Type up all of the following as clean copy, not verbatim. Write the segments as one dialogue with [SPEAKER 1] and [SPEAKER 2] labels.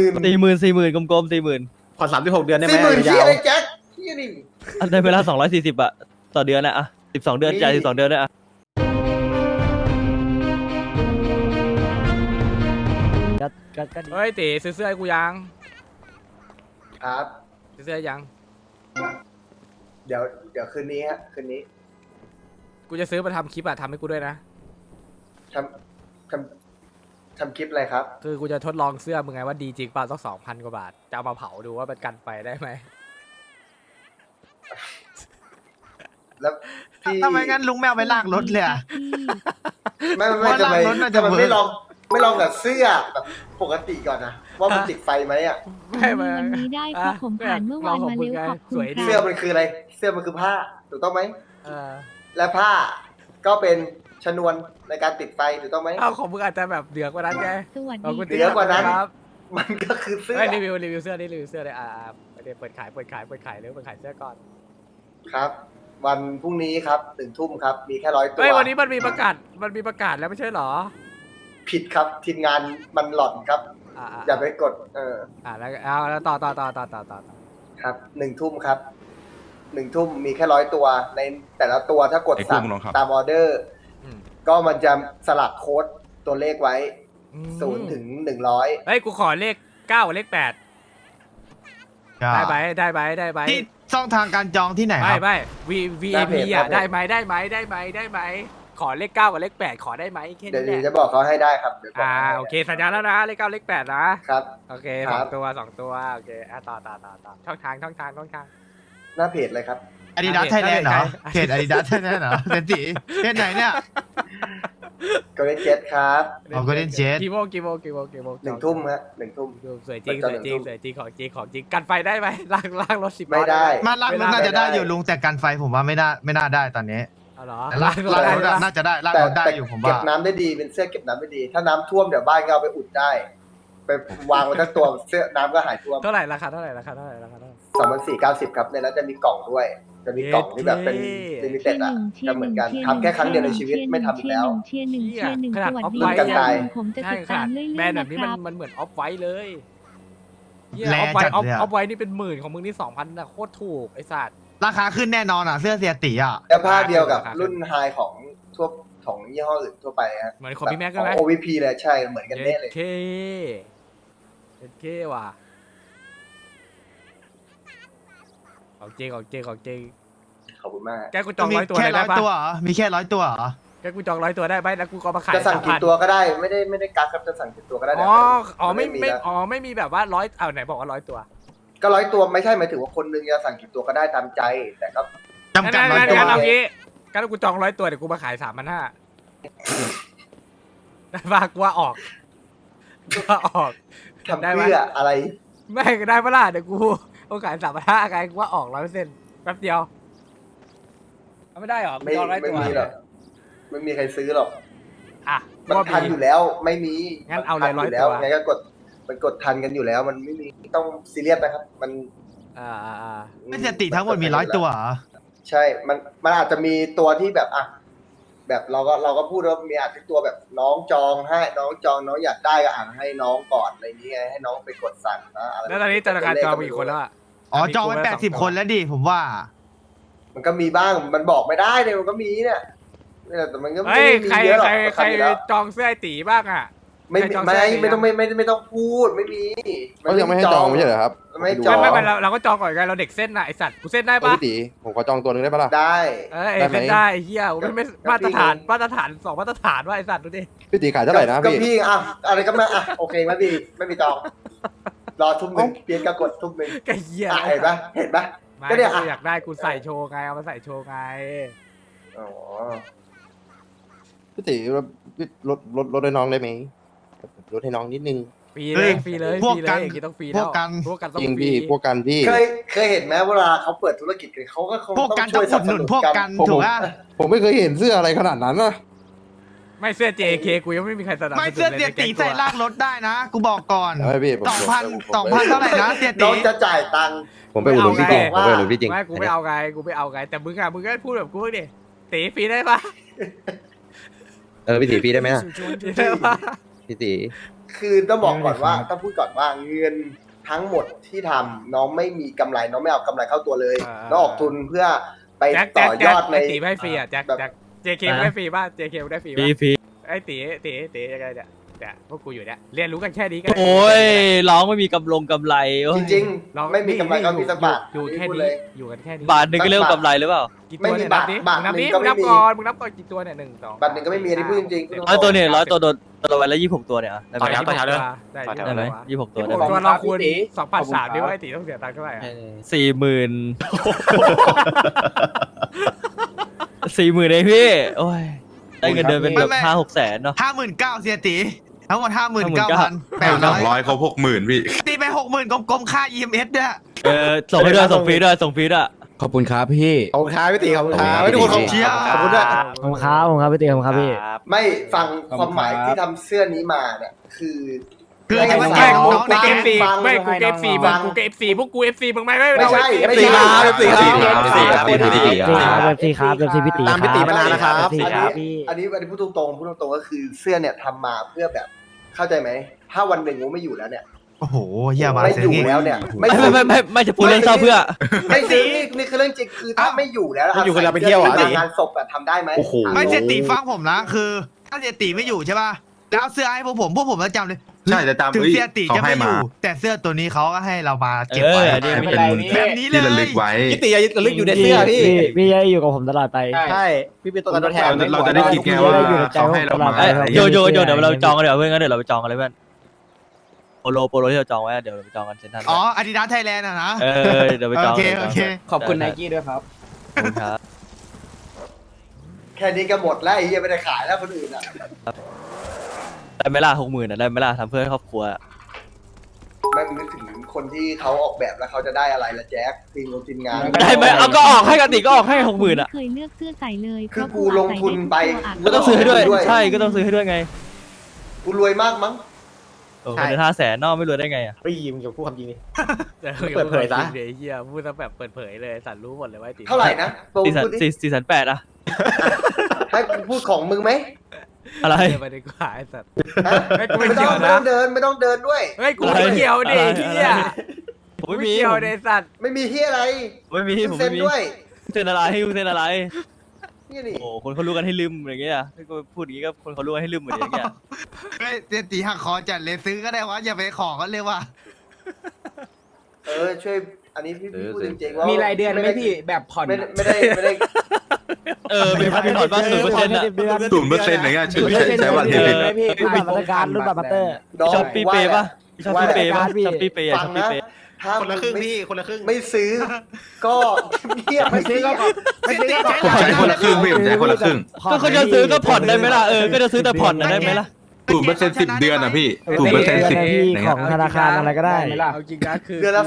[SPEAKER 1] 40,000กลมๆ40,000
[SPEAKER 2] ผ่อน36 เดือนได้ไหม
[SPEAKER 3] 40,000
[SPEAKER 2] ยา
[SPEAKER 3] ที่
[SPEAKER 2] ว
[SPEAKER 3] อะไรแจ็คที่นี่
[SPEAKER 1] อันในเวลา240อะต่อเดือนนะอะ12 เดือนจ่าย12 เดือนด้วยอะ
[SPEAKER 4] ก็ดี
[SPEAKER 5] เฮ้ยตีซื้อเสื้อให้กูยัง
[SPEAKER 3] ครับ
[SPEAKER 5] ซื้อเสื้อยัง
[SPEAKER 3] เดี๋ยวคืนนี้ฮะคืนนี้
[SPEAKER 5] กูจะซื้อมาทำคลิปอะทำให้กูด้วยนะ
[SPEAKER 3] ทำทำคลิปอะไรครับ
[SPEAKER 5] คือกูจะทดลองเสื้อมึงไงว่าดีจริงเปล่าต้อง2,000 กว่าบาทจะเอามาเผาดูว่ามันกันไฟได้ไหม
[SPEAKER 3] แล้วพี่
[SPEAKER 4] ทำไมงั้นลุงแมวไปลากรถเลยอะ
[SPEAKER 3] ไม่
[SPEAKER 4] ว่า
[SPEAKER 3] ทำไม
[SPEAKER 4] ลากรถน่าจะ
[SPEAKER 3] ทำไม
[SPEAKER 4] เวิร์ก
[SPEAKER 3] ไม่ลองแบบเสื้อแบบปกติก่อนนะว่ามันติดไฟไหมอ่ะ
[SPEAKER 5] ไม่ไม่
[SPEAKER 6] วันนี้ได้เพราะผมผ่านเมื่อวานมาเร็วขอบคุณ
[SPEAKER 5] สวยดี
[SPEAKER 3] เสื้อ
[SPEAKER 6] ครับ
[SPEAKER 3] มันคืออะไร เสื้อมันคือผ้าถูกต้องไหม
[SPEAKER 5] เออ
[SPEAKER 3] และผ้าก็เป็นชนวนในการติดไฟถูกต้องไหม
[SPEAKER 5] เอาของมึงอาจจะแบบเดือกว่านั้นไง
[SPEAKER 6] สวัส
[SPEAKER 5] ขอบ
[SPEAKER 6] ดี
[SPEAKER 5] คุณ
[SPEAKER 3] เหนือกว่านั้น
[SPEAKER 5] ครับ
[SPEAKER 3] มันก็คือเสื้อ
[SPEAKER 5] เฮ้ยรีวิวเสื้อนี่รีวิวเสื้อเลยเดี๋ยวเปิดขายเร็วเปิดขายเสื้อก่อน
[SPEAKER 3] ครับ วันพรุ่งนี้ครับ1 ทุ่มครับ มีแค่100 ตัว
[SPEAKER 5] เฮ้ยวันนี้มันมีประกาศแล้วไม่ใช่เหรอ
[SPEAKER 3] ผิดครับทีมงานมันหล่อนครับ อย่าไปกด
[SPEAKER 5] แล้วเอาแล้วต่อ
[SPEAKER 3] ครับ1 ทุ่มครับ1 ทุ่มมีแค่100 ตัวในแต่ละตัวถ้ากดสั่งตามออเดอร์
[SPEAKER 5] อืม
[SPEAKER 3] ก็มันจะสลักโค้ดตัวเลขไว้0 ถึง 100
[SPEAKER 5] เฮ้ยกูขอเลข9กับเลข8ได้ไหม
[SPEAKER 4] ที่ช่องทางการจองที่ไหนครับ
[SPEAKER 5] ไม่ VIP อ่ะได้ไหมขอเลข9กับเลข8ขอได้ไหมแค่
[SPEAKER 3] เดี๋ยว
[SPEAKER 5] นี้แห
[SPEAKER 3] จะ
[SPEAKER 5] ละ
[SPEAKER 3] บอกเขาให้ได้ครับเดี๋ยวบอกให้
[SPEAKER 5] โอเคสัญญาแล้วนะเลข9เลข8นะครับ โอเค
[SPEAKER 3] ค
[SPEAKER 5] ส
[SPEAKER 3] รั
[SPEAKER 5] อบ งตัวโอเคต่อช่องทาง
[SPEAKER 3] หน้าเพจเลยครับ
[SPEAKER 4] อาดิดาสไทยแลนด์เหรอ
[SPEAKER 5] ใช่
[SPEAKER 4] เพจอาดิดาสไทยแลนด์เหรอเซนติเพจไหนเนี่ย
[SPEAKER 3] ก็ได้เจ็ดครับ
[SPEAKER 4] อ๋อ Golden Jet
[SPEAKER 5] กี่โมง
[SPEAKER 3] 1 ทุ่มฮะ1 ทุ่ม
[SPEAKER 5] สวยจริงของจริงกันไฟได้ไหมลากรถ10
[SPEAKER 3] ไม่ได้
[SPEAKER 4] มาลากรถน่าจะได้อยู่ลุงแต่กันไฟผมว่าไม่น่าได้ตอนนี้
[SPEAKER 5] เอาเหรอ
[SPEAKER 4] แต่ลากรถน่าจะได้ลาก
[SPEAKER 3] แต่
[SPEAKER 4] รถได้อยู่ผม
[SPEAKER 3] เก็
[SPEAKER 4] ว่า
[SPEAKER 3] บน้ำได้ดีเป็นเสื้อเก็บน้ำได้ดี ถ้าน้ำท่วมเดี๋ยวบ้านก็เอาไปอุดได้ ไปวางไว้ทั้งตัวเสื้อน้ำก็หายท่วม
[SPEAKER 5] เท่าไหร่ราคาเท่าไหร่
[SPEAKER 3] 2,490ครับในนั้นจะมีกล่องด้วย จะมีกล่องที่แบบเป็นลิมิเต็ดอ่ะจะเหมือนกันทำแค่ครั้งเดียวในชีวิตไม่ทำอีกแล้ว
[SPEAKER 6] เชียร์หนึ่ง
[SPEAKER 5] ขนาด
[SPEAKER 6] สวัส
[SPEAKER 5] ออฟ
[SPEAKER 6] ดี
[SPEAKER 5] ไว้
[SPEAKER 3] กันตาย
[SPEAKER 6] ผมจะ
[SPEAKER 5] ใช่
[SPEAKER 6] ติด
[SPEAKER 5] ข
[SPEAKER 6] ตา
[SPEAKER 5] นาด
[SPEAKER 6] มเรื่อย
[SPEAKER 5] แบรนด์
[SPEAKER 6] ๆ
[SPEAKER 5] แบ
[SPEAKER 6] นะ
[SPEAKER 5] บนี้
[SPEAKER 6] ครับ
[SPEAKER 5] มันเหมือนออฟไว้เลยอ
[SPEAKER 4] แร
[SPEAKER 5] อฟไว้
[SPEAKER 4] จัดเลยอะ
[SPEAKER 5] ออฟไว้นี่เป็น10,000ของมึงนี่2,000นะโคตรถูกไอ้สัตว์
[SPEAKER 4] ราคาขึ้นแน่นอนอ่ะเสื้อเสียตีอ่ะ
[SPEAKER 3] แล้วผ้าเดียวกับรุ่นไฮของทั่วของยี่ห้ออื่นทั่วไปฮะ
[SPEAKER 5] เหมือนของพี่แม็กซ์ใช่ไหม
[SPEAKER 3] ของ OVP เลยใช่เหมือนกันเน่เลย
[SPEAKER 5] เจ็ดเคว่ะของจริง
[SPEAKER 3] ขอบคุณมาก
[SPEAKER 5] แกกูจอง
[SPEAKER 4] มี
[SPEAKER 5] 100 ตัว
[SPEAKER 4] แค่
[SPEAKER 5] เลย
[SPEAKER 4] ร้
[SPEAKER 5] ได้
[SPEAKER 4] อย
[SPEAKER 5] ปะ
[SPEAKER 4] ตัวเหรอมีแค่100 ตัวเหรอ
[SPEAKER 5] แกกูจอง100 ตัวได้ไหมแล้วกูก็มาขาย
[SPEAKER 3] จะสั่งกี่
[SPEAKER 5] 3,000
[SPEAKER 3] ตัวก็ได้ไม่ได้กักครับจะสั่งกี่ตัวก็ได้
[SPEAKER 5] ไม่มีแบบว่า100เอาไหนบอกว่า100 ตัว
[SPEAKER 3] ก็100 ตัวไม่ใช่หมายถึงว่าคนนึงจะสั่งกี่ตัวก็ได้ตามใจ แต่ก็
[SPEAKER 4] จำกัด100 ตัว
[SPEAKER 5] งั้นเอางี้งั้นกูจอง100 ตัวเดี๋ยวกูมาขาย3,500ได้ปะกูว่าออก
[SPEAKER 3] ทำเพื่ออะไร
[SPEAKER 5] ไม่ก็ได้ปะล่ะเดี๋ยวกูขาย3,500ไงกูว่าออก100%แป๊บเดียวเอาไม่ได้หรอ
[SPEAKER 3] ไม่
[SPEAKER 5] จอง100
[SPEAKER 3] ไม่
[SPEAKER 5] ตัว
[SPEAKER 3] มีหรอกไม่มีใครซื้อหรอก
[SPEAKER 5] อ่ะ
[SPEAKER 3] มันทันอยู่แล้วไม่มี
[SPEAKER 5] งั้นเอาเลย
[SPEAKER 3] มั
[SPEAKER 5] 100
[SPEAKER 3] ทันแล้ว
[SPEAKER 5] ตัว
[SPEAKER 3] ไงก็กดมันกดทันกันอยู่แล้ว มันไม่มีต้องซีเรียสนะครับ มัน
[SPEAKER 5] อ่า
[SPEAKER 4] ไม่เสียตีทั้งหมดมี100 ตัวเหรอ
[SPEAKER 3] ใช่ มันอาจจะมีตัวที่แบบอ่ะแบบเราก็พูดว่ามีอาจจะตัวแบบน้องจองให้น้องจองน้องอยากได้ก็อ่านให้น้องก่อนอะไรอย่างเงี้ยให้น้องไปกดสั่งนะอะไร
[SPEAKER 5] แล้วตอนนี้ธนาคารจองมีกี่คนแล้วอ่ะ
[SPEAKER 4] อ๋อจองไว้80 คนแล้วดิผมว่า
[SPEAKER 3] มันก็มีบ้างมันบอกไม่ได้เลยมันก็มีเนี่ยแต่มันก็ไม่
[SPEAKER 5] เฮ้ย
[SPEAKER 3] มี
[SPEAKER 5] ใคร
[SPEAKER 3] เยอะหรอก
[SPEAKER 5] ใคร
[SPEAKER 3] อยู่แล้ว
[SPEAKER 5] จองเสื้อไอ้ตีบ้างอ่ะ
[SPEAKER 3] ไม่
[SPEAKER 5] ใครจอง
[SPEAKER 3] ไม่
[SPEAKER 5] เสื้อสี
[SPEAKER 3] ไม่ต้องไม่ต้องพูดไม่มี
[SPEAKER 7] เขายังไม่ให้จองไม่ใช่เหรอครับ
[SPEAKER 3] ไม่จอง
[SPEAKER 5] ไม่เราก็จองก่อนไงเราเด็กเส้นน่ะไอสัตว์กูเส้นได้ปะ
[SPEAKER 7] พี่ตีผมขอจองตัวหนึงได้ปะล่ะ
[SPEAKER 3] ได้
[SPEAKER 5] เส้นได้ไอ้เหี้ยไม่มาตรฐาน2 มาตรฐานว่าไอสัตว์ดูดิ
[SPEAKER 7] พี่ตีขายเท่าไหร่นะ
[SPEAKER 3] ก็
[SPEAKER 7] พี่
[SPEAKER 3] พี่อ่ะอะไรก็ไม่อ่ะโอเคไม่มีจองรอทุ่มหนึ่งเพียงก็กดทุ่มหนึ่ง
[SPEAKER 5] ไอ้เหี้ย
[SPEAKER 3] อ่ะเห็นปะ
[SPEAKER 5] ไม่
[SPEAKER 3] ก็เนี่ยอ่ะ
[SPEAKER 5] กูอยากได้กูใส่โชว์ไงเอามาใส่โชว์ไง
[SPEAKER 3] อ๋อ
[SPEAKER 7] พี่ตีลดให้น้องได้ไหมลดให้น้องนิดนึง
[SPEAKER 5] ฟรีเลย
[SPEAKER 4] พวกกัน
[SPEAKER 5] อย่างงี้ต้องฟรี
[SPEAKER 4] พวกกัน
[SPEAKER 5] ต้อง
[SPEAKER 7] จริง
[SPEAKER 5] ฟรี
[SPEAKER 7] พี่พวกกันพี่
[SPEAKER 3] เคยเห็นไหมเวลาเขาเปิดธุรกิจกันเขาก็คง
[SPEAKER 4] พวก
[SPEAKER 3] ต้
[SPEAKER 4] กั
[SPEAKER 3] อน ง
[SPEAKER 4] ต้
[SPEAKER 3] ช่
[SPEAKER 4] อ
[SPEAKER 3] วย
[SPEAKER 4] ง
[SPEAKER 3] ส
[SPEAKER 4] อุ
[SPEAKER 3] นั
[SPEAKER 4] ด
[SPEAKER 3] บ
[SPEAKER 4] ห
[SPEAKER 3] ส
[SPEAKER 4] นุน
[SPEAKER 3] นุน
[SPEAKER 4] พวก
[SPEAKER 3] กั
[SPEAKER 4] กัน นถูกป่ะ
[SPEAKER 7] ผมไม่เคยเห็นเสื้ออะไรขนาดนั้นนะ
[SPEAKER 5] ไม่เสื้อ JK กูยังไม่มีใครสนับสนุน
[SPEAKER 4] ไม่เสื้อเสียตีใส่ลากรถได้นะ กูบอกก่อน
[SPEAKER 7] ไม่พี่ผม
[SPEAKER 4] 2,000เท่าไหร่นะเสีย
[SPEAKER 3] น้
[SPEAKER 4] ตี
[SPEAKER 3] องจะจ่ายตังค์
[SPEAKER 7] ผมไปอุดหนุนพี่จริงผมไปอุดหนุนพี่จริง
[SPEAKER 5] ไม่กูไม่เอาไงแต่มึงก็พูดแบบกูดิตีฟรีได้ปะ
[SPEAKER 7] พี่ตีพี่ได้ไหมนะ
[SPEAKER 5] ได้ปะ
[SPEAKER 7] พี่ตี
[SPEAKER 3] คือต้องบอกก่อนว่าต้องพูดก่อนว่าเงินทั้งหมดที่ทำน้องไม่มีกำไรน้องไม่เอากำไรเข้าตัวเลยน้องออกทุนเพื่อไป
[SPEAKER 5] แจ็ค
[SPEAKER 3] ต่
[SPEAKER 5] แจ็ค
[SPEAKER 3] อยอดใน
[SPEAKER 5] ไอ้ตีไม่ฟรีอ่ะแจ็คแจ็ค JK ได้ฟรีป่ะ JK ได้ฟรี
[SPEAKER 1] ฟรี
[SPEAKER 5] ป่ะ
[SPEAKER 1] ฟรี
[SPEAKER 5] ไอ้ตียังไงเนี่ยพวกกูอยู่เนี่ยเรียนรู้กันแค่นี้ก็
[SPEAKER 1] โอ้ยร้องไม่มีกำไรโอ้ย
[SPEAKER 3] จริงๆไม่มีกำไรก็มีสักบาท
[SPEAKER 5] อยู่แค่
[SPEAKER 3] พูด
[SPEAKER 5] นี้
[SPEAKER 3] เลย
[SPEAKER 5] อยู่กันแค่นี้
[SPEAKER 1] บาทหนึ่งก็เรียกว่ากำไรหรือเปล่า
[SPEAKER 5] กี่ตัวเนี่ย
[SPEAKER 3] ไม่มี
[SPEAKER 5] นับดิ
[SPEAKER 3] บาท
[SPEAKER 5] นับดิ
[SPEAKER 3] หนึ่งก็
[SPEAKER 5] มึง
[SPEAKER 3] ไม่
[SPEAKER 5] นับ
[SPEAKER 3] มี
[SPEAKER 5] ก่อนมึงนับก่อนกี่ตัวเนี่ย1 2
[SPEAKER 3] บาทหนึ่งก็ไม่มีอันนี้พูดจริงๆ
[SPEAKER 1] ร้อยตัวเนี่ยร้อยตัวโดนตัววันละ26 ตัวเนี่ยอะได้ไหม
[SPEAKER 5] ต่อแถวเลย
[SPEAKER 1] ได้ไหม26 ตัวได้ไหม
[SPEAKER 5] ตัวเราคูณ2,300ดิว่าไอ้ตีต้องเสียตังค์เท่าไหร่อะ
[SPEAKER 1] 40,000 เองพี่โอ้ยได้เงินเดือนเป็นแบบ5-6 แสนเนาะ
[SPEAKER 4] 59,000เสียตีทั้งหมด
[SPEAKER 2] 200เขา60,000พี่
[SPEAKER 4] ตีไป 60,000กลมๆค่า EMS ด้วย
[SPEAKER 1] ส่งให้ด้วยส่งฟรีด้วยส่งฟรีด้วย
[SPEAKER 8] ขอบคุณครับพี่
[SPEAKER 7] ขอบคุณครับพี่ตีขอบคุณครับ
[SPEAKER 8] ขอบคุณ
[SPEAKER 7] ทุกคนขอบ
[SPEAKER 4] เชียร์
[SPEAKER 7] ขอบคุณด้วย
[SPEAKER 8] ขอบคุณครับผมครับพี่ตีขอบคุณครับพี่
[SPEAKER 3] ไม่ฟังความหมายที่ทำเสื้อนี้มาเนี่ยคือ
[SPEAKER 4] คือจะมา
[SPEAKER 5] ไม่
[SPEAKER 4] แจก
[SPEAKER 5] กู
[SPEAKER 4] น้องๆใน
[SPEAKER 5] เก
[SPEAKER 4] เก
[SPEAKER 5] ม
[SPEAKER 4] ม
[SPEAKER 5] ฟรี
[SPEAKER 3] ฟัง
[SPEAKER 5] ไม่กูเกมฟรี
[SPEAKER 3] ฟัง
[SPEAKER 5] กูเกมฟรีพวกกู FC มึงไม่
[SPEAKER 3] ไม่ใช่ไม่
[SPEAKER 7] ตี
[SPEAKER 3] ใช่
[SPEAKER 7] ครับตีครับ
[SPEAKER 8] ตีครับตีครับ
[SPEAKER 7] ตีครับ
[SPEAKER 8] เว็บซีครับเว็บซีพี่ตี
[SPEAKER 7] ตามพี่ตีมานานแล้วครับ
[SPEAKER 8] เว็บซีครับพี่
[SPEAKER 3] อันนี้พูดตรงๆก็คือเสื้อเนี่ยทำมาเพื่อแบบเข้าใจไหมถ้าวันหนึ่งกูไม่อยู่แล้วเนี่ย
[SPEAKER 4] โอ้โหเฮียมา
[SPEAKER 3] ไม่
[SPEAKER 4] เสีย
[SPEAKER 3] อยู่
[SPEAKER 4] งี้
[SPEAKER 3] แล้วเนี่ย
[SPEAKER 1] ไม่จะพูดเรื่องเศร้าเพื่อ
[SPEAKER 3] ไม่จริงนี่คือเรื่องจริงคือถ้าไม่อยู่แล้ว
[SPEAKER 7] ไม่อยู่คือเราไปเที่ยวเหรอ
[SPEAKER 3] งานศพแบบทำได้ไหม
[SPEAKER 7] โอ้โห
[SPEAKER 4] ไม่เสียตีฟังผมนะคือ ถ้าเสียตีไม่อยู่ใช่ป่ะแล้วเอาเสื้อให้พวกผมจะจำเลย
[SPEAKER 2] ใช่จะจำ
[SPEAKER 4] ถึง
[SPEAKER 2] เอ้ย
[SPEAKER 4] เสียตี
[SPEAKER 2] เขา
[SPEAKER 4] จะ
[SPEAKER 2] ให้
[SPEAKER 4] ไม่อ
[SPEAKER 2] มา
[SPEAKER 4] ยู่แต่เสื้อตัวนี้เขาก็ให้เรามาเก็บไว้
[SPEAKER 1] อันนี้ไม่
[SPEAKER 2] เป็น
[SPEAKER 1] เป็นไร
[SPEAKER 4] แบบนี้เล
[SPEAKER 2] ที่ระลึ
[SPEAKER 4] ย
[SPEAKER 2] กไว้
[SPEAKER 7] พี่ตีระลึกอยู่ในเสื้อพี่
[SPEAKER 8] พี่จะอยู่กับผมตลอดไป
[SPEAKER 7] ใช่พี่เป็นตัวแทน
[SPEAKER 2] เราจะได้คิดไงว่าเขาให้เรามา
[SPEAKER 1] โยเดี๋ยวเราจองกันเดี๋ยวเพื่อนงั้นเดี๋ยวเราไปจองกันเลยเพื่อนโปโลที่เราจองไว้เดี๋ยวเราไปจองกันเซ็นทรัล
[SPEAKER 4] อ๋ออาดิดาสไทยแลนด์อะนะ
[SPEAKER 1] เดี๋ยวไปจอง
[SPEAKER 4] โอเค
[SPEAKER 8] ขอบคุณไนกี้ด้วยครับ
[SPEAKER 1] ขอบคุณครับ
[SPEAKER 3] แค่นี้ก็หมดแล้วไอ้เหี้ยไม่ได้ขายแล้วคนอื่นอ่ะ
[SPEAKER 1] ได้ไหมล่ะ60,000ได้ไหมล่ะทำเพื่อครอบครัว
[SPEAKER 3] ไม่นึกถึงคนที่เขาออกแบบแล้วเขาจะได้อะไรละแจ็คทีมงาน
[SPEAKER 1] ได้ไหมเอาก็ออกให้กันติก็ออกให้60,000อ่ะ
[SPEAKER 6] เคยเลือกเสื้อใส่เลย
[SPEAKER 3] คือกูลงทุนไป
[SPEAKER 1] ก็ต้องซื้อให้ด้วยใช่ก็ต้องซื้อให้ด้วยไง
[SPEAKER 3] กูรวยมากมั้ง
[SPEAKER 1] เงิน500,000นอกไม่รวยได้ไงอ่ะ
[SPEAKER 7] พี่ยิมกับพูดความจริงนี่
[SPEAKER 5] เปิ
[SPEAKER 7] เปิดเผยซะ
[SPEAKER 5] เดี๋ยวเฮียพูดซะแบบเปิดเผยเลยสันรู้หมดเลยว่าไอ้ตี
[SPEAKER 3] เท่าไหร่นะโปรพูดดิ
[SPEAKER 1] 4,800อ่ะ
[SPEAKER 3] ให้กูพูดของมึงไหม
[SPEAKER 1] อะไร
[SPEAKER 5] เดี๋ยวไปดีกว่าไอ้สัตว์
[SPEAKER 3] ฮะ
[SPEAKER 5] ไม่กูไม่
[SPEAKER 3] ไม่
[SPEAKER 5] เกี่
[SPEAKER 3] ต้
[SPEAKER 5] ย
[SPEAKER 3] อ
[SPEAKER 5] ว
[SPEAKER 3] ง
[SPEAKER 5] นะ
[SPEAKER 3] เดินไม่ต้องเดินด้วย
[SPEAKER 5] เฮ้ยกูไม่เกี่ยวดิเฮีย
[SPEAKER 1] ผมไม่มี
[SPEAKER 5] เกี่ยวดิสัตว์
[SPEAKER 3] ไม่มีที่อะไร
[SPEAKER 1] ไม่มีผม
[SPEAKER 3] เซ็
[SPEAKER 1] ไม่
[SPEAKER 3] น
[SPEAKER 1] มี
[SPEAKER 3] ด้วย
[SPEAKER 1] เซ็นอะไรให้เซ็นอะไร
[SPEAKER 3] นี่นี่
[SPEAKER 1] โอ้คนเขารู้กันให้ลืมอย่างเงี้ยก็พูดอย่างงี้ก็คนเขารู้กันให้ลืมเหมือนอย่างเงี้ย
[SPEAKER 4] เฮ้ยเสียตีหักคอจัดเลยซื้อก็ได้วะอย่าไปขอกันเลยว่ะ
[SPEAKER 3] ช่วยอันนี้พี่พูดจริงๆว่ามี
[SPEAKER 8] มีรายเดือนไหมพี่แบบผ่อน
[SPEAKER 3] ไม่ได้
[SPEAKER 1] มีผ่อนบ้าง0%อ่ะ
[SPEAKER 2] 0%อย่างเงี้ยใช้บัตรเครดิต
[SPEAKER 8] พี่บัตรมาตรการรุ่นบัตรมาเตอร์
[SPEAKER 1] ชอบปีเปย์ป่ะชอบปีเปย์ป่ะชอบปีเปย์
[SPEAKER 3] ฟั
[SPEAKER 1] ช
[SPEAKER 3] ง
[SPEAKER 1] อบปี
[SPEAKER 3] นะ
[SPEAKER 1] เปย์
[SPEAKER 3] ถ้า
[SPEAKER 7] คนละครึ่งพี่คนละครึ่ง
[SPEAKER 3] ไม่ซื้อ ก็เงียบไม่ซื้อก็
[SPEAKER 4] ไม่ซื้อก็
[SPEAKER 2] ผมใช้คนละครึ่งพี่ผมใช้คนละครึ่ง
[SPEAKER 1] ก็เขาจะซื้อก็ผ่อนได้ไหมล่ะก็จะซื้อแต่ผ่อนได้ไหมล่ะ
[SPEAKER 2] 0% 10 เดือนอ่ะพี่ 0% 10
[SPEAKER 8] พี่
[SPEAKER 2] อย่าง
[SPEAKER 8] ข
[SPEAKER 2] เงี้
[SPEAKER 8] อย งธนาคารอะไรก็ได้
[SPEAKER 5] เอาจริงนะคือ
[SPEAKER 3] เดือนละ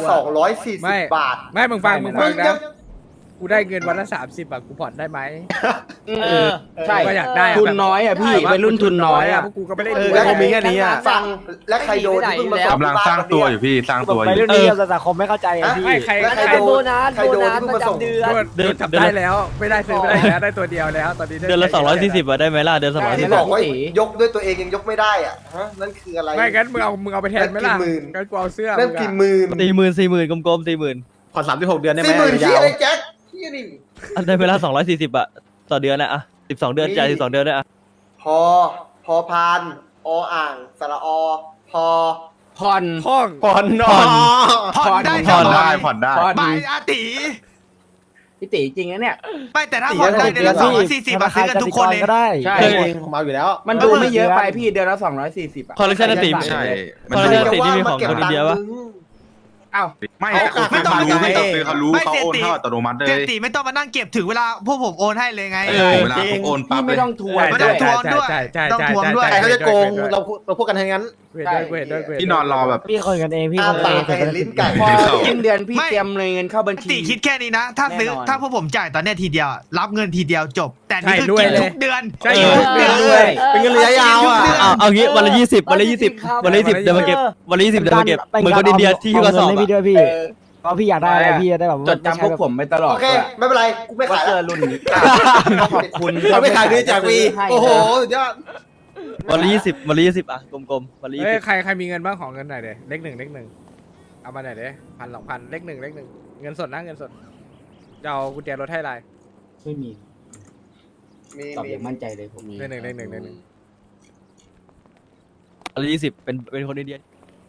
[SPEAKER 3] 240 บาท
[SPEAKER 5] ไม่มึงฟัง
[SPEAKER 3] มึง
[SPEAKER 5] นะ
[SPEAKER 3] ยัง
[SPEAKER 5] กูได้เงินวันละ30อ่ะกูผ่อนได้ไหม
[SPEAKER 8] ใช่
[SPEAKER 5] ก็อยากได้อะ
[SPEAKER 8] ทุนน้อยอ่ะพี่วัยรุ่นทุนน้อยอ่ะ
[SPEAKER 5] พวกกูก็ไม่ได้
[SPEAKER 7] เอ
[SPEAKER 5] ดู
[SPEAKER 7] อก็คงมีแค่นี้อ่ะ
[SPEAKER 3] ฟังและใครโดนที่เพิ่งมาส่
[SPEAKER 2] กำลังสร้างตัวอยู่พี่สร้างตัวอ
[SPEAKER 8] วัย
[SPEAKER 2] ยู่
[SPEAKER 8] รุ่นนี้สังคมไม่เข้าใจอ่ะพี่
[SPEAKER 5] ไม่ใคร
[SPEAKER 3] แล้ว
[SPEAKER 5] ใคร
[SPEAKER 3] ใครโดน
[SPEAKER 8] โบนัส
[SPEAKER 3] ใครโดนที่เพิ่งมาส่ง
[SPEAKER 8] โบนัส
[SPEAKER 5] เดินจับได้แล้วไม่ได้ซื้อไม่ได้แล้วได้ตัวเดียวแล้วตอนนี้
[SPEAKER 1] เดือนละ240อ่ะได้ไหมล่ะเดือน
[SPEAKER 3] ที่
[SPEAKER 1] 240
[SPEAKER 3] บอกว่ายกด้วยตัวเองยังยกไม่ได้อ่ะฮะนั่นคืออะไร
[SPEAKER 5] ไม่งั้นมึงเอาไปแทนไหมล่ะ
[SPEAKER 3] นั่นกี่หมื่น
[SPEAKER 5] งั้นกูเอาเสื้อ
[SPEAKER 3] นั่นกี่หมื่น
[SPEAKER 1] 40,000กลมๆ40,000
[SPEAKER 7] ผ่อน36 เดือนได้ไหม
[SPEAKER 3] 40,000ที่
[SPEAKER 7] ยาว
[SPEAKER 3] อะไรแจ็คที่นี่
[SPEAKER 1] ได้เวลา240อ่ะต่อเดือนนะอ่ะ12 เดือนจ่าย12 เดือนได้อ่ะ
[SPEAKER 3] พอพานอ่างสระอพอ
[SPEAKER 8] ผ่อน
[SPEAKER 5] ห้อง
[SPEAKER 7] ผ่อนนอ
[SPEAKER 4] ผ่อนได้
[SPEAKER 2] ผ่อนได้ผ่อนได้
[SPEAKER 4] ใบอาติ
[SPEAKER 8] พี่ตีจริงนะเนี่ย
[SPEAKER 4] ไม่แต่ถ้าผ่อนได้เดือนละ240มาซื้อกันทุกคนเลย
[SPEAKER 8] ก็ได้
[SPEAKER 7] ใช่ผมเอาอยู่แล้ว
[SPEAKER 8] มันดูไม่เยอะไปพี่เดือนละ240อ่ะ
[SPEAKER 1] คอลเลคชันติ
[SPEAKER 2] ใช่
[SPEAKER 1] คอลเลคชันตินี่มีของคนอินเดียปะ
[SPEAKER 8] อ้าว
[SPEAKER 2] ไม่เขารู้ไม่ต้องซื้อเขารู้เขาโอนเข้าอัตโนมัติเล
[SPEAKER 4] เสีย
[SPEAKER 2] ย
[SPEAKER 4] ตีไม่ต้องมานั่งเก็บถึงเวลาพวกผมโอนให้เลยไง
[SPEAKER 2] เวลาผมโอนปั๊
[SPEAKER 8] พี่
[SPEAKER 2] บเล
[SPEAKER 8] ไม่
[SPEAKER 2] ย
[SPEAKER 8] ต้องทวง
[SPEAKER 4] ไม่ต้องทวงด้วย
[SPEAKER 5] ใช่
[SPEAKER 4] ต้องทวงด้วย
[SPEAKER 7] ใครเขาจะโกงเราพูดกันทั้งนั้น
[SPEAKER 5] เวทด้วยเวทด้วยเวท
[SPEAKER 2] พี่นอนรอแบบ
[SPEAKER 8] พี่คนกันเองพี่ค
[SPEAKER 3] อ้าน
[SPEAKER 8] กัน
[SPEAKER 3] ปา
[SPEAKER 8] เอก ง
[SPEAKER 3] ให้ลิ้นไก่
[SPEAKER 8] พอสิ้นเดือนพี่เตรียมเงินเข้าบัญชี
[SPEAKER 4] ตีคิดแค่นี้นะ ถ้าซื้อ
[SPEAKER 8] แน่นอน
[SPEAKER 4] ถ้าพวกผมจ่ายตอนเนี้ยทีเดียว รับเงินทีเดียวจบ แต่นี่คือ
[SPEAKER 5] ใช่ด้วย
[SPEAKER 4] กิน
[SPEAKER 5] เลย
[SPEAKER 4] ทุกเดือน
[SPEAKER 5] ใช่
[SPEAKER 4] กินทุกเดือน
[SPEAKER 8] ด้วย
[SPEAKER 7] เป็นเงินระยะยาวอ่ะ
[SPEAKER 1] เอางี้วันละ20วันละ20วันละ20เดี๋ยวมาเก็บวันละ20เดี๋ยวมาเก็บเหมือนคนอินเดียที่กระสอบ
[SPEAKER 8] ให้พี่ด้วยพี่เพราะพี่อยากได้อะไรพี่จะได้แบบ
[SPEAKER 9] จดจำพวกผมไปตลอด
[SPEAKER 3] โอเค ไม่เป็นไร กูไม่
[SPEAKER 9] ว่า
[SPEAKER 3] ขาย
[SPEAKER 9] เสื้
[SPEAKER 3] แล้
[SPEAKER 9] อ
[SPEAKER 3] ว
[SPEAKER 9] รุ่นนี้ขอบคุณ
[SPEAKER 7] เราไม่ขายด้วยจากวีโอ้โหสุดยอด
[SPEAKER 1] วันละ20วันละ20อ่ะกลมๆวันละ
[SPEAKER 5] เฮ้ยใครมีเงินบ้างของเงินหน่อยเด้เลขหนึ่งเอามาหน่อยเด้1,000 2,000เลขหนึ่งเงินสดนะเงินสดจะเอากุญแจรถให้อะไร
[SPEAKER 8] ไม่มี
[SPEAKER 3] มี
[SPEAKER 8] ตอบ
[SPEAKER 3] มี
[SPEAKER 8] อย่างมั่นใจเลยผม
[SPEAKER 5] เลขหนึ่ง
[SPEAKER 1] วันละ20เป็นคนอินเดีย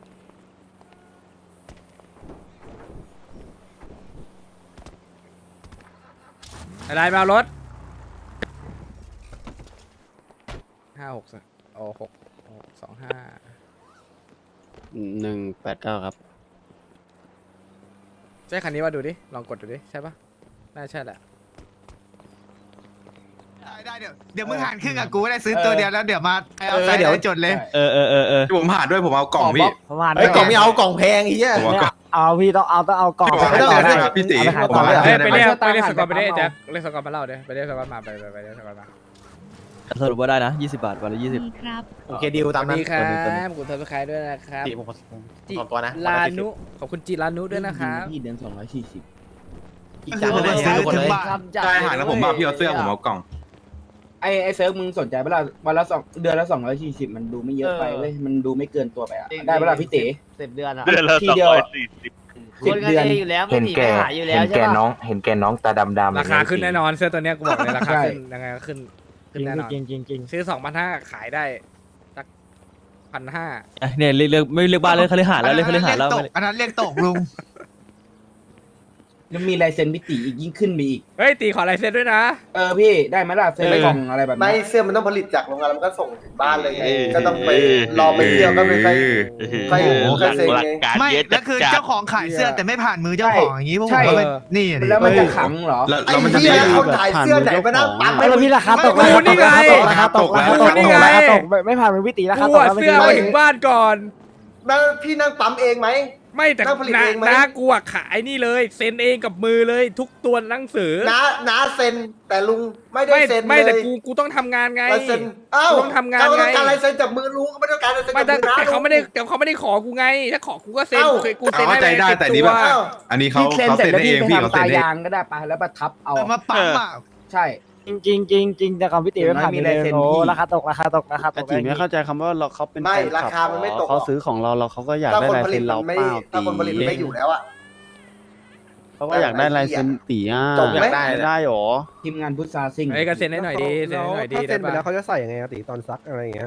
[SPEAKER 5] อะไรมาเอารถ56โอ้
[SPEAKER 9] 189ครับ
[SPEAKER 5] ใช่คันนี้ว่าดูดิลองกดดูดิใช่ปะน่าใช่แหละ
[SPEAKER 4] ได้เดี๋ยวมึงหารครึ่งกับกูได้ซื้อตัวเดียวแล้วเดี๋ยวมาเอาใส่
[SPEAKER 8] เดี๋ยว
[SPEAKER 4] จดเลย
[SPEAKER 1] เออ
[SPEAKER 2] ผมหาด้วยผมเอากล่องพี่
[SPEAKER 8] ประมาณ
[SPEAKER 3] ไอ้ยกล่องไม่เอากล่องแพงไอ้เหี้ย
[SPEAKER 2] ผมเอากล่อง
[SPEAKER 8] เอาพี่ต้องเอากล่อง
[SPEAKER 2] พี่บอกให้
[SPEAKER 8] ไป
[SPEAKER 2] เจอได้
[SPEAKER 8] ได้
[SPEAKER 2] ครับพี่ตี
[SPEAKER 8] เอาไปขาย
[SPEAKER 2] ผม
[SPEAKER 8] ต่อ
[SPEAKER 2] ว่า
[SPEAKER 8] ได้
[SPEAKER 5] ไปเรียก
[SPEAKER 8] ไม่
[SPEAKER 5] ไป
[SPEAKER 8] ใช่
[SPEAKER 5] เรียกสกอร์ไปได้
[SPEAKER 8] ตามหา
[SPEAKER 5] แจ็คเรียกสกอร์มาเล่าเด้ไปเรียกสกอร์มาไปเรียกสกอร์มา
[SPEAKER 1] สรุปว่าได้นะ20 บาทวันละ
[SPEAKER 6] ดีครับ
[SPEAKER 3] โอเคดิวตามนั้น
[SPEAKER 5] ดีครับคุณทัศน์คายด้วยนะครับ
[SPEAKER 3] ผมขอตัวนะ
[SPEAKER 5] ลานุขอบคุณจิลานุด้วยนะครับ
[SPEAKER 8] พี่เดือน240
[SPEAKER 3] อีกจานหนึ่งซื้อคนเลย
[SPEAKER 2] ได้หาแล้วผมมาพี่เอาเสื้อผมเอากล่อง
[SPEAKER 8] ไอ้เซิร์ฟมึงสนใจเปล่าวันละ2 เดือนละ240มันดูไม่เยอะไปเว้ยมันดูไม่เกินตัวไปอ่ะได้เปล่าพี่เต๋
[SPEAKER 9] 10 เดือนอ่ะ
[SPEAKER 8] ทีเดียวอะ
[SPEAKER 9] คน
[SPEAKER 8] 10
[SPEAKER 9] กัน
[SPEAKER 8] เดือน
[SPEAKER 9] เองอยู่แล้วไม่หนีไปหาอยู่แล้วใช่ปะ
[SPEAKER 7] เห็นแกน้องตาดำๆ
[SPEAKER 5] ราคาขึ้นแน่นอนเสื้อตัวเนี้ยกูบอกเลยราคาขึ้นยังไงก็ขึ้น
[SPEAKER 8] จริง
[SPEAKER 5] แน่นอน
[SPEAKER 8] จริง
[SPEAKER 5] ซื้อ2,500ขายได้สัก1,500
[SPEAKER 1] เนี่ยเรียกไม่เรียกบ้านเลยเขาเรียกหาแล้วเรียกเขาเรียกหาแล้ว
[SPEAKER 4] อันนั้นเรียกตกลุง
[SPEAKER 8] แล้วมีลายเซ็นพี่ตีอีกยิ่งขึ้นไปอีก
[SPEAKER 5] เฮ้ยตีขอลายเซ็นด้วยนะ
[SPEAKER 8] พี่ได้ไหมล่ะเซ็นกล่องอะไรแบบ
[SPEAKER 3] ไม่
[SPEAKER 8] นี้
[SPEAKER 3] เสื้อมันต้องผลิตจากโรงงานแล้วมันก็ส่งถึงบ้านเลยไงก็ต้องไปรอไปเที่ยวก็ไปใครเซ็งไง
[SPEAKER 4] ไม่แล้วคือเจ้าของขายเสื้อแต่ไม่ผ่านมือเจ้าของอย่างนี้พวกผมก็เป็นนี่ดิ
[SPEAKER 8] แล้วมันจะขังเหรอ
[SPEAKER 2] แล้ว
[SPEAKER 3] ไอ้
[SPEAKER 2] แล้วมันจะ
[SPEAKER 3] เหี้ย
[SPEAKER 2] มี
[SPEAKER 3] คนขายเสื้อไหนมานั่งปั๊ม
[SPEAKER 8] ไม่แล้วพี่ราคาตก
[SPEAKER 5] กูนี่ไง
[SPEAKER 8] ราคาตกราคาตก
[SPEAKER 5] นี่ไง
[SPEAKER 8] ราคาตกไม่ผ่านมือพี่ตีราคา
[SPEAKER 5] กู
[SPEAKER 8] ตก
[SPEAKER 5] อะ
[SPEAKER 8] แล้วไม่
[SPEAKER 5] เสื้อ
[SPEAKER 8] ได้
[SPEAKER 5] มาถึงบ้านก่อน
[SPEAKER 3] นั่งพี่นั่งปั๊มเองไหม
[SPEAKER 5] ไม่แต่
[SPEAKER 3] นั่งผลิตเองไหม
[SPEAKER 5] น้ากูอะขายนี่เลยเซ็นเองกับมือเลยทุกตัวหนังสือ
[SPEAKER 3] น้าเซ็นแต่ลุงไม่ได้
[SPEAKER 5] ไม่
[SPEAKER 3] เซ็น
[SPEAKER 5] ไม่
[SPEAKER 3] เล
[SPEAKER 5] แต่
[SPEAKER 3] ย
[SPEAKER 5] กูต้องทำงานไง
[SPEAKER 3] ลายเซ็นอ้าว
[SPEAKER 5] ต้องทำงาน
[SPEAKER 3] เขา
[SPEAKER 5] ไง
[SPEAKER 3] ต้องการลายเซ็นจากมือลุงก็ไม่ต้องการลายเซ็น
[SPEAKER 5] ไม่
[SPEAKER 3] จาก
[SPEAKER 5] แต่
[SPEAKER 3] มือน้า
[SPEAKER 5] แต่เขาไม่ได้แต่เขาไม่ได้ขอกูไง ถ้าขอกูก็เซ็น
[SPEAKER 3] เอ้า
[SPEAKER 5] กูเซ็นให้
[SPEAKER 2] เข้าใจได้
[SPEAKER 5] 10
[SPEAKER 2] แต่นี่แบบ
[SPEAKER 5] ตัว
[SPEAKER 3] อ้าว
[SPEAKER 2] อันนี้เขา
[SPEAKER 8] พี่เซ็น
[SPEAKER 2] เขา
[SPEAKER 8] เสร็จ
[SPEAKER 2] เซ็น
[SPEAKER 8] แล้ว
[SPEAKER 2] ได้เอ
[SPEAKER 8] พี่
[SPEAKER 2] ง
[SPEAKER 8] ไป
[SPEAKER 2] พี่เขา
[SPEAKER 8] ทำ
[SPEAKER 2] เซ็
[SPEAKER 8] ตาน
[SPEAKER 2] ได้
[SPEAKER 8] ยางก็ได้ปะแล้วประทับเอา
[SPEAKER 4] มาปั๊มอ่ะ
[SPEAKER 8] ใช่
[SPEAKER 10] จริงแต่ของพี่ตีไม่ผ่าน
[SPEAKER 8] มีลายเซ็น
[SPEAKER 10] โอ้
[SPEAKER 8] พี่
[SPEAKER 10] ราคาตกราคาต
[SPEAKER 9] แต่
[SPEAKER 10] ก
[SPEAKER 9] จีไม่เข้าใจคำว่าเราเขาเป็น
[SPEAKER 3] ไม่
[SPEAKER 9] แฟน
[SPEAKER 3] รา
[SPEAKER 9] คลับ
[SPEAKER 3] คามันไม่ตกหรอก
[SPEAKER 9] เขาซื้อของเราเขาก็อยาก
[SPEAKER 3] ถ้า
[SPEAKER 9] ได้
[SPEAKER 3] คน
[SPEAKER 9] ลาย
[SPEAKER 3] ผลิ
[SPEAKER 9] เซ็
[SPEAKER 3] ต
[SPEAKER 9] นเรา
[SPEAKER 3] มันไม่
[SPEAKER 9] เปล่า
[SPEAKER 3] ถ้าคนผลิตมันไม่อยู่แล้วอะ
[SPEAKER 9] เขาก็อยากได้ลายเซ็นตีอ่ะ
[SPEAKER 3] จบไหม
[SPEAKER 9] ไม่ได้หรอ
[SPEAKER 8] ทีมงานพุทธาซิง
[SPEAKER 5] ไอ้ก็เซ็นให้หน่อยดีเซ็นให้หน่อยดี
[SPEAKER 10] ถ้าเซ็นไป
[SPEAKER 5] ได้
[SPEAKER 10] แล้ว
[SPEAKER 5] ปะ
[SPEAKER 10] เขาจะใส่ยังไงตีตอนซักอะไรอย่างเงี้ย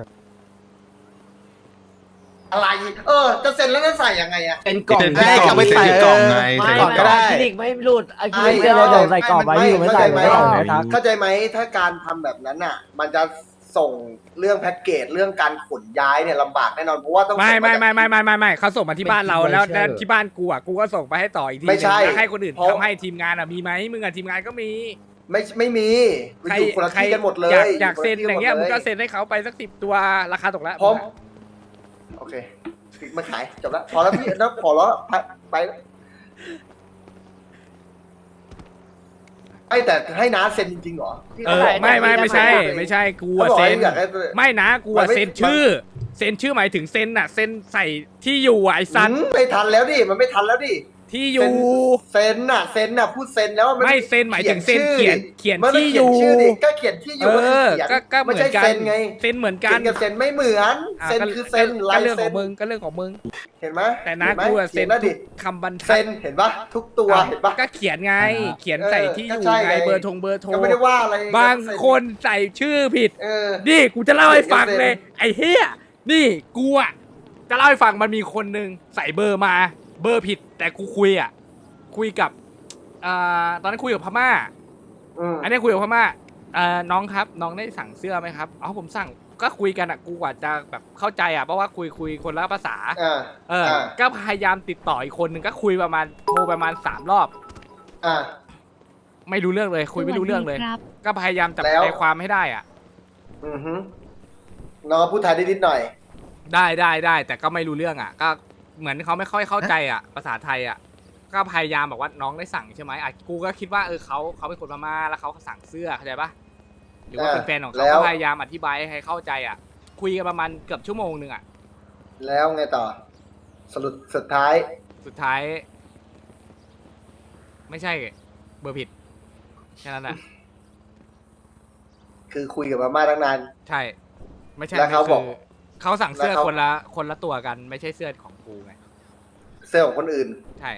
[SPEAKER 3] อะไรจะเซ็นแล้วจะใส่ยังไงอะ
[SPEAKER 8] เป็นกล่อง
[SPEAKER 2] เซ็น
[SPEAKER 3] แร
[SPEAKER 2] ที่
[SPEAKER 3] ก
[SPEAKER 2] กล่อง
[SPEAKER 3] เอาไป
[SPEAKER 2] เซ็น
[SPEAKER 3] ใส่
[SPEAKER 2] ที่กล่องไง
[SPEAKER 3] ไม่
[SPEAKER 2] เซ็น
[SPEAKER 3] ก่อน
[SPEAKER 2] ที่ก
[SPEAKER 3] ก็
[SPEAKER 2] ล่อง
[SPEAKER 3] ได้
[SPEAKER 10] คลินิกไม่หลุดไอ้คลิ
[SPEAKER 3] ไม่
[SPEAKER 10] นิกเสื้อเราเดี๋ยวใส่กรอบไว้อยู่ไม่ใส่ไม่ได้ไม่ทัก
[SPEAKER 3] เข้าใจไหมถ้าการทำแบบนั้นอ่ะ มันจะส่งเรื่องแพ็กเกจเรื่องการขนย้ายเนี่ยลำบากแน่นอนเพราะว่าต้อง
[SPEAKER 5] ไม่
[SPEAKER 3] ส่งาจาก
[SPEAKER 5] ไม่เขาส่งมาที่บ้านเราแล้วที่บ้านกูอ่ะกูก็ส่งไปให้ต่ออีกที
[SPEAKER 3] ไม่ใช่
[SPEAKER 5] แล้วให้คนอื่น
[SPEAKER 3] เพราะ
[SPEAKER 5] ทำให้ทีมงานอ่ะมีไหมมึงอ่ะทีมงานก็มี
[SPEAKER 3] ไม่มีมันอยู่คนละที่กันหมดเลย
[SPEAKER 5] อยากเซ็นอย่างเงี้ย
[SPEAKER 3] ค
[SPEAKER 5] มึ
[SPEAKER 3] ละ
[SPEAKER 5] ง
[SPEAKER 3] ที่
[SPEAKER 5] ก็เซ็นให้เขาไปสัก10 ตัวราคาตกแล้ว
[SPEAKER 3] พร้อมโอเคมาขายจบแล้วพอแล้วพี่แล้วพอแล้วไปไอ้แต่ให้น้าเซ็นจริงๆเหรอพี่
[SPEAKER 5] ไม่ใช่กู
[SPEAKER 3] เขา
[SPEAKER 5] อ่ะ
[SPEAKER 3] บอก
[SPEAKER 5] เซ็
[SPEAKER 3] ให้
[SPEAKER 5] น
[SPEAKER 3] อยากให้
[SPEAKER 5] ไม่นะกูอ่ะ
[SPEAKER 3] มันไม่
[SPEAKER 5] เซ็นชื่อเซ็นชื่อหมายถึงเซ็นอ่ะเซ็นใส่ที่อยู่อ่ะไอ้สัน
[SPEAKER 3] ไม่ทันแล้วดิมันไม่ทันแล้วดิ
[SPEAKER 5] ที่อยู่
[SPEAKER 3] เซ็นน่ะพูดเซ็นแล้ว
[SPEAKER 5] ไม่เซ็นหมายถึงเซ็นเขียน
[SPEAKER 3] มันไม่
[SPEAKER 5] ที่อ
[SPEAKER 3] เขียน
[SPEAKER 5] ยู่
[SPEAKER 3] ชื่อดิก็เขียนที่อยู่
[SPEAKER 5] ก็เหมื
[SPEAKER 3] ไม่
[SPEAKER 5] อน
[SPEAKER 3] ใช่
[SPEAKER 5] กัน
[SPEAKER 3] เซ็นไง
[SPEAKER 5] เซ็นเหมือนกั
[SPEAKER 3] เขีย
[SPEAKER 5] น
[SPEAKER 3] นกับเซ็นไม่เหมือนเซ็นคือเซ็นลาย
[SPEAKER 5] ก็เรื่อง
[SPEAKER 3] เซ็
[SPEAKER 5] ขอน งมึงก็เรื่องของมึง
[SPEAKER 3] เห็นไหม
[SPEAKER 5] แต่นะ
[SPEAKER 3] ห็ไหม
[SPEAKER 5] กูอะเซ็น
[SPEAKER 3] ขียแล้วดิ
[SPEAKER 5] คำบรรทั
[SPEAKER 3] เซ็
[SPEAKER 5] ด
[SPEAKER 3] นเห็นปะทุกตัวเห็นปะ
[SPEAKER 5] ก็เขียนไง เขียนใส่ที่อยู่
[SPEAKER 3] ก็ใช่
[SPEAKER 5] ไง
[SPEAKER 3] ไง
[SPEAKER 5] เบอร์โทร
[SPEAKER 3] ก็ไม่ได้ว่าอะไร
[SPEAKER 5] บางคนใส่ชื่อผิด
[SPEAKER 3] เออ
[SPEAKER 5] นี่กูจะเล่าให้ฟัง
[SPEAKER 3] เขียน
[SPEAKER 5] เลย ไอ้เฮียนี่กูอ่ะจะเล่าให้ฟังมันมีคนหนึ่งใส่เบอร์มา เบอร์ผิด แต่กูคุยกับตอนนั้นคุยกับพม่า อันนี้คุยกับพม่าน้องครับน้องได้สั่งเสื้อไหมครับอ๋อผมสั่งก็คุยกันอ่ะกูกว่าจะแบบเข้าใจอ่ะเพราะว่าคุยคนละภาษาก็พยายามติดต่ออีกคนหนึ่งก็คุยประมาณโทรประมาณ3 รอบไม่รู้เรื่องเลย คุยไม่รู้เรื่องเลย ก็พยายามจับใจความให้ได้อ่ะ
[SPEAKER 3] น้องก็พูดไทยได้นิดหน่อย
[SPEAKER 5] ได้แต่ก็ไม่รู้เรื่องอ่ะ ก็เหมือนเขาไม่ค่อยเข้าใจอ่ะภาษาไทยอ่ะก็พยายามบอกว่าน้องได้สั่งใช่ไหมอ่ะกูก็คิดว่าเขาเป็นคนพม่าแล้วเขาสั่งเสื้อเข้าใจปะหรือว่าเป็นแฟนของเขาก็พยายามอธิบายให้เข้าใจอ่ะ คุยกันประมาณเกือบชั่วโมงนึงอ่ะ
[SPEAKER 3] แล้วไงต่อสุดท้าย
[SPEAKER 5] ไม่ใช่เบอร์ผิดแค่นั้นแหละ
[SPEAKER 3] คือคุยกับมาม่าตั้งนาน
[SPEAKER 5] ใช่ไม่ใช่
[SPEAKER 3] แล้วเขาบอก
[SPEAKER 5] คือเขาสั่งเสื้อ
[SPEAKER 3] แล้วเขา
[SPEAKER 5] คนละตัวกันไม่ใช่เสื้อของกูไง
[SPEAKER 3] เสื้อของคนอื่น
[SPEAKER 5] ใช่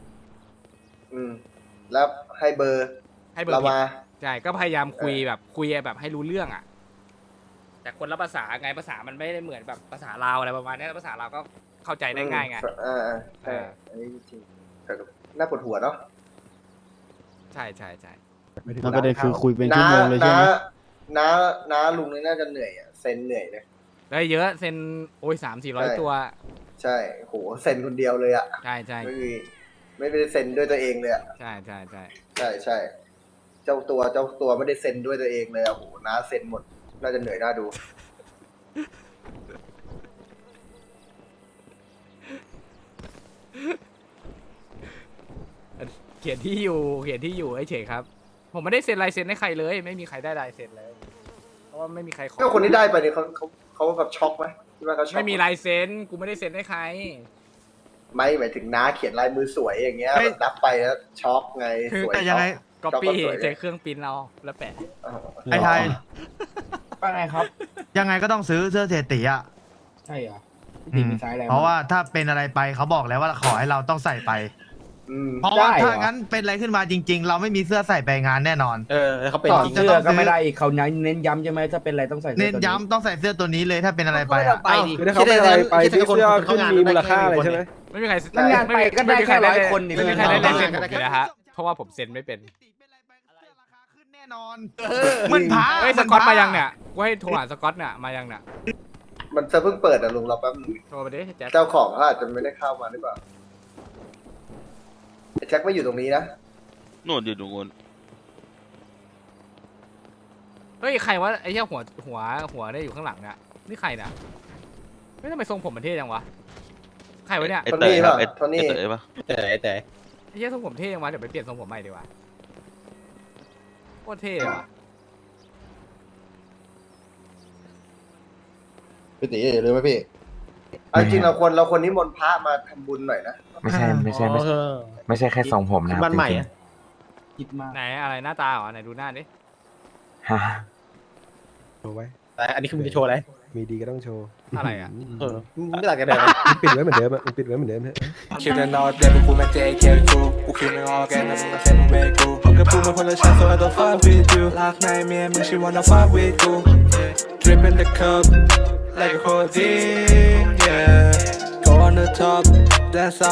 [SPEAKER 3] แล้วให้เบอร์
[SPEAKER 5] ให้เบอร์
[SPEAKER 3] เรา
[SPEAKER 5] ผิด
[SPEAKER 3] มา
[SPEAKER 5] ใช่ก็พยายามคุยแบบให้รู้เรื่องอ่ะ แต่คนละภาษาไงภาษามันไม่ได้เหมือนแบบภาษาลาวอะไรประมาณนี้ภาษาลาวก็เข้าใจได้ง่ายไง
[SPEAKER 3] ใช่อันนี้จริงแต่น่าปวดหัวเนาะ
[SPEAKER 5] ใช่ใช่ใช่
[SPEAKER 9] แล้วประเด็นคือคุยเป็นชั่วโมงเลยใช่ไหม
[SPEAKER 3] น้าลุงนี่น่าจะเหนื่อยอ่ะเซ็นเหนื่อยเลย
[SPEAKER 5] ได้เยอะเซ็นโอ้ย300-400 ตัว
[SPEAKER 3] ใช่โหเซ็นคนเดียวเลยอ่ะ
[SPEAKER 5] ใช่ใช่
[SPEAKER 3] ไม่ได้เซ็นด้วยตัวเองเลยอ่ะ
[SPEAKER 5] ใช่ใช่ใช่
[SPEAKER 3] ใช่เจ้าตัวไม่ได้เซ็นด้วยตัวเองเลยอ่ะโหน้าเซ็นหมดน่าจะเหนื่อยน่าดู
[SPEAKER 5] เขียนที่อยู่เฉยๆครับ ผมไม่ได้เซ็นลายเซ็นให้ใครเลย ไม่มีใครได้ลายเซ็นเลยเพราะว่าไม่มีใครขอ
[SPEAKER 3] ก็คนที่ได้ไปเนี่ยเขาแบบช็อกไหมคิดว่าเขาช็อก
[SPEAKER 5] ไม่มีลายเซ็นกูไม่ได้เซ็นให้ใคร
[SPEAKER 3] ไม่หมายถึงน้าเขียนลายมือสวยอย่างเงี้ยแบบรับไปแล้วช็อกไงสวย
[SPEAKER 4] แต่ยังไง
[SPEAKER 5] ก๊อปปี้ใช้เครื่องปริ้นเอาแล้วแปะ
[SPEAKER 4] ไอ้ไทย
[SPEAKER 8] ว่าไงครับ
[SPEAKER 4] ยังไงก็ต้องซื้อเสื้อเศรษฐีอ่ะ
[SPEAKER 8] ใช่เหรอพี่ตีมีไซส์อะไร
[SPEAKER 4] เพราะว่าถ้าเป็นอะไรไปเขาบอกแล้วว่าขอให้เราต้องใส่ไป เพราะว่าถ้างั้นเป็นอะไรขึ้นมาจริง ๆ เราไม่มีเสื้อใส่ไปงานแน่นอน
[SPEAKER 9] เขาเป็น
[SPEAKER 8] ต่อ
[SPEAKER 9] จริง
[SPEAKER 8] เสื้อก็ไม่ได้อีกเขาเน้นย้ำใช่ไหมถ้าเป็นอะไรต้องใส่สื้อ
[SPEAKER 4] เน้น
[SPEAKER 8] ตัว
[SPEAKER 4] ย้ำต้องใส่เสื้อตัวนี้เลยถ้าเป็นอะไรไปอะ
[SPEAKER 10] คือถ้าเขาเป็นอะไรไปที่เสื้อขึ้นมีมูลค่าอะไรใช่ไหม
[SPEAKER 5] ไม่มีใคร
[SPEAKER 8] มันงานไปก็ได้แค่100 คนนี่
[SPEAKER 5] ไม่มีใครได้ลายเซ็นผมเลยนะฮะเพราะว่าผมเซ็นไม่เป็น
[SPEAKER 4] ขึ้นแน่นอนมันพา
[SPEAKER 5] เฮ้ยสกอตมายังเนี่ยกูให้โทรหาสกอตเนี่ยมายังเนี่ย
[SPEAKER 3] มันจะเพิ่งเปิดอ่ะลุงเราแป๊บนึง
[SPEAKER 5] โทรไปดิแจ็ค
[SPEAKER 3] เจ้าของเขาอาจจะไม่ได้เข้ามาหรือเปล่าไอ้แจ็คไม่อยู่ตรงนี้นะ
[SPEAKER 2] นู่นอยู่ตรงนู้น
[SPEAKER 5] เฮ้ยใครวะไอ้เหี้ยหัวได้อยู่ข้างหลังเนี่ยนี่ใครเนี่ยไม่ทำไมทรงผมมันเท่จังวะใครวะเนี่ย
[SPEAKER 2] ไอ้เต๋อครับไอ้
[SPEAKER 3] โทนี่
[SPEAKER 2] เต๋อปะ
[SPEAKER 9] แต่
[SPEAKER 5] ไอ้เหี้ยทรงผมเท่จังวะเดี๋ยวไปเปลี่ยนทรงผมใหม่ดีกว่าโคตรเท่เลยว่ะ
[SPEAKER 7] พี่ตีหรือไหมพี่
[SPEAKER 3] เอาจริงเราควรนิมนต์พระมาทำบุญหน่อยนะ
[SPEAKER 10] ไม่ใช่แค่ทรงผมนะ
[SPEAKER 9] บ้านใหม่อะ
[SPEAKER 8] คิดมาก
[SPEAKER 5] ไหนอะไรหน้าตาเหรอไหนดูหน้าดิ
[SPEAKER 10] โชว์ไว้
[SPEAKER 9] แต่อันนี้คือมึงจะโชว์อะไร
[SPEAKER 10] มีดีก็ต้องโชว์
[SPEAKER 5] อะไรอ่ะ
[SPEAKER 9] มึงไม่ต่างกันเลย
[SPEAKER 10] ปิดไว้เหมือนเดิมอ่ะปิดไว้เหมือนเดิมฮะ
[SPEAKER 11] คิดแต่นอนเด็กกูไม่เจ๊เกลกูกูคิดไม่ออกแกนะมึงมาแค่มึงเวกูพบกับกูมาคนละชั้น so I don't fuck with you ลากในเมียมึง she wanna fuck with กู drip in the cup like a codeine yeah go on the top that's all